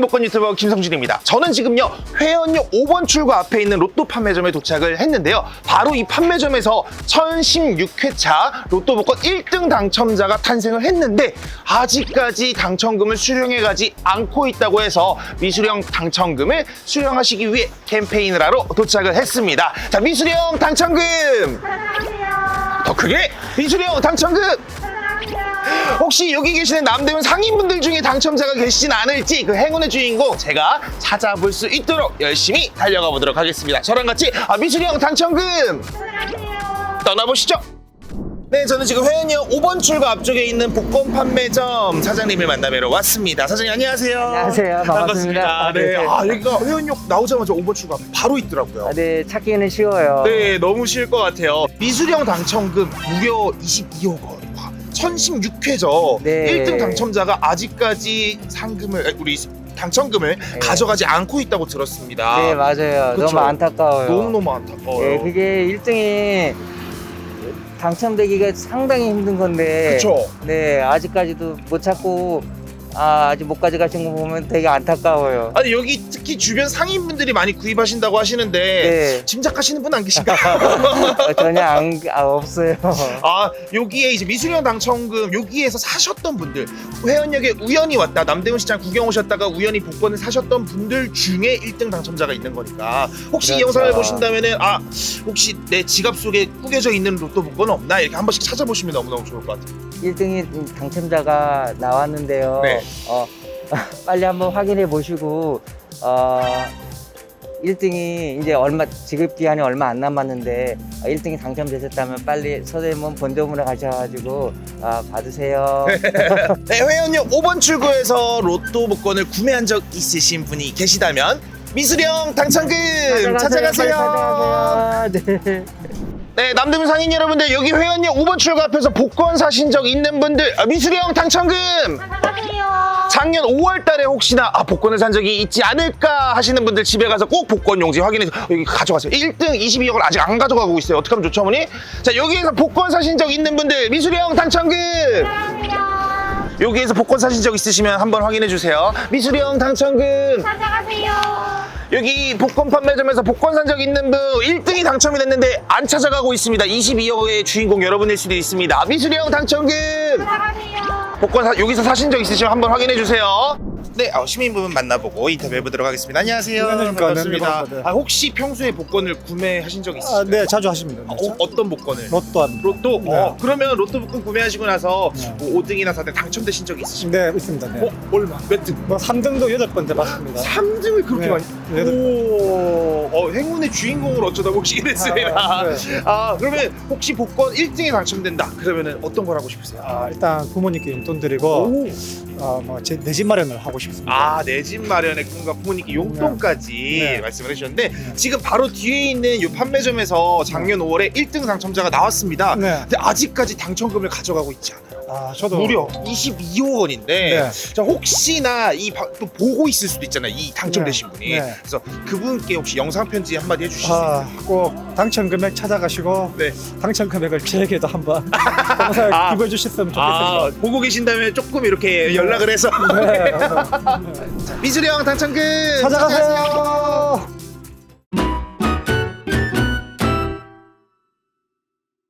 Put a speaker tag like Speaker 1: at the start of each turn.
Speaker 1: 복권 유튜버 김성준입니다. 저는 지금요 회원역 5번 출구 앞에 있는 로또 판매점에 도착을 했는데요. 바로 이 판매점에서 1016회차 로또 복권 1등 당첨자가 탄생을 했는데 아직까지 당첨금을 수령해가지 않고 있다고 해서 미수령 당첨금을 수령하시기 위해 캠페인을 하러 도착을 했습니다. 자, 미수령 당첨금! 더 크게! 미수령 당첨금! 혹시 여기 계시는 남대문 상인분들 중에 당첨자가 계시진 않을지 그 행운의 주인공 제가 찾아볼 수 있도록 열심히 달려가 보도록 하겠습니다. 저랑 같이 미수령 당첨금 떠나보시죠. 네, 저는 지금 회원역 5번 출구 앞쪽에 있는 복권 판매점 사장님을 만나뵈러 왔습니다. 사장님 안녕하세요.
Speaker 2: 안녕하세요. 반갑습니다.
Speaker 1: 네,
Speaker 2: 네.
Speaker 1: 여기가 회원역 나오자마자 5번 출구 앞에 바로 있더라고요.
Speaker 2: 네, 찾기는 쉬워요.
Speaker 1: 네, 너무 쉬울 것 같아요. 미수령 당첨금 무려 22억 원. 1016회죠.
Speaker 2: 네.
Speaker 1: 1등 당첨자가 아직까지 우리 당첨금을 가져가지 않고 있다고 들었습니다.
Speaker 2: 네, 맞아요.
Speaker 1: 그쵸?
Speaker 2: 너무 안타까워요.
Speaker 1: 너무너무 안타까워요.
Speaker 2: 네, 그게 1등이 당첨되기가 상당히 힘든 건데.
Speaker 1: 그쵸?
Speaker 2: 네, 아직까지도 못 찾고 아직 못 가져가신 거 보면 되게 안타까워요.
Speaker 1: 아니 여기 특히 주변 상인분들이 많이 구입하신다고 하시는데
Speaker 2: 네.
Speaker 1: 짐작하시는 분 안 계신가요?
Speaker 2: 전혀 없어요.
Speaker 1: 여기에 이제 미수령 당첨금 여기에서 사셨던 분들, 회원역에 우연히 왔다 남대문 시장 구경 오셨다가 우연히 복권을 사셨던 분들 중에 1등 당첨자가 있는 거니까 혹시 이
Speaker 2: 그렇죠.
Speaker 1: 영상을 보신다면은 혹시 내 지갑 속에 꾸겨져 있는 로또 복권은 없나 이렇게 한 번씩 찾아보시면 너무너무 좋을 것 같아요.
Speaker 2: 1등이 당첨자가 나왔는데요.
Speaker 1: 네.
Speaker 2: 빨리 한번 확인해 보시고 1등이 이제 지급 기한이 얼마 안 남았는데 1등이 당첨되셨다면 빨리 서대문 본점으로 가셔가지고 받으세요.
Speaker 1: 네, 회원역 5번 출구에서 로또 복권을 구매한 적 있으신 분이 계시다면 미수령 당첨금 찾아가세요.
Speaker 2: 네.
Speaker 1: 네, 남대문 상인 여러분들 여기 회원역 5번 출구 앞에서 복권 사신 적 있는 분들 미수령 당첨금 작년 5월 달에 혹시나 복권을 산 적이 있지 않을까 하시는 분들 집에 가서 꼭 복권 용지 확인해서 여기 가져가세요. 1등 22억을 아직 안 가져가고 있어요. 어떻게 하면 좋죠, 어머니? 자, 여기에서 복권 사신 적 있는 분들 미수령 당첨금 여기에서 복권 사신 적 있으시면 한번 확인해 주세요. 미수령 당첨금
Speaker 3: 찾아가세요.
Speaker 1: 여기 복권 판매점에서 복권 산 적 있는 분 1등이 당첨이 됐는데 안 찾아가고 있습니다. 22억의 주인공 여러분일 수도 있습니다. 미수령 당첨금
Speaker 3: 찾아가세요.
Speaker 1: 복권 여기서 사신 적 있으시면 한번 확인해 주세요. 네, 시민분 만나보고 인터뷰해 보도록 하겠습니다. 안녕하세요.
Speaker 4: 안녕하십니까.
Speaker 1: 반갑습니다.
Speaker 4: 네.
Speaker 1: 혹시 평소에 복권을 구매하신 적 있으신가요?
Speaker 4: 네, 자주 하십니다. 네.
Speaker 1: 어떤 복권을?
Speaker 4: 로또 합니다.
Speaker 1: 로또?
Speaker 4: 네.
Speaker 1: 그러면 로또 복권 구매하시고 나서
Speaker 4: 네.
Speaker 1: 5등이나 4등 당첨되신 적이 있으신가요?
Speaker 4: 네, 있습니다. 네.
Speaker 1: 얼마? 몇 등?
Speaker 4: 뭐 3등도 8번째 받습니다.
Speaker 1: 3등을 그렇게
Speaker 4: 네.
Speaker 1: 많이?
Speaker 4: 네.
Speaker 1: 오, 행운의 주인공을 어쩌다 혹시 이랬습니다.
Speaker 4: 네.
Speaker 1: 그러면 혹시 복권 1등에 당첨된다. 그러면 어떤 걸 하고 싶으세요?
Speaker 4: 일단 부모님께 용돈 드리고 내 집 마련을 하고 싶습니다.
Speaker 1: 내 집 마련의 꿈과 부모님께 용돈까지
Speaker 4: 네.
Speaker 1: 말씀을 해주셨는데
Speaker 4: 네.
Speaker 1: 지금 바로 뒤에 있는 이 판매점에서 작년 5월에 1등 당첨자가 나왔습니다.
Speaker 4: 네.
Speaker 1: 근데 아직까지 당첨금을 가져가고 있지 않아요.
Speaker 4: 저도
Speaker 1: 무려 22억 원인데
Speaker 4: 네.
Speaker 1: 자, 혹시나 또 보고 있을 수도 있잖아요. 이 당첨되신 분이.
Speaker 4: 네.
Speaker 1: 그래서 그분께 혹시 영상 편지 한마디 해주실 수 있어요?
Speaker 4: 꼭 당첨 금액 찾아가시고
Speaker 1: 네.
Speaker 4: 당첨 금액을 제게도 한번 검사에 기부해 주셨으면 좋겠습니다.
Speaker 1: 보고 계신다면 조금 이렇게 연락을 해서
Speaker 4: 네.
Speaker 1: 미수령 당첨금
Speaker 4: 찾아가세요.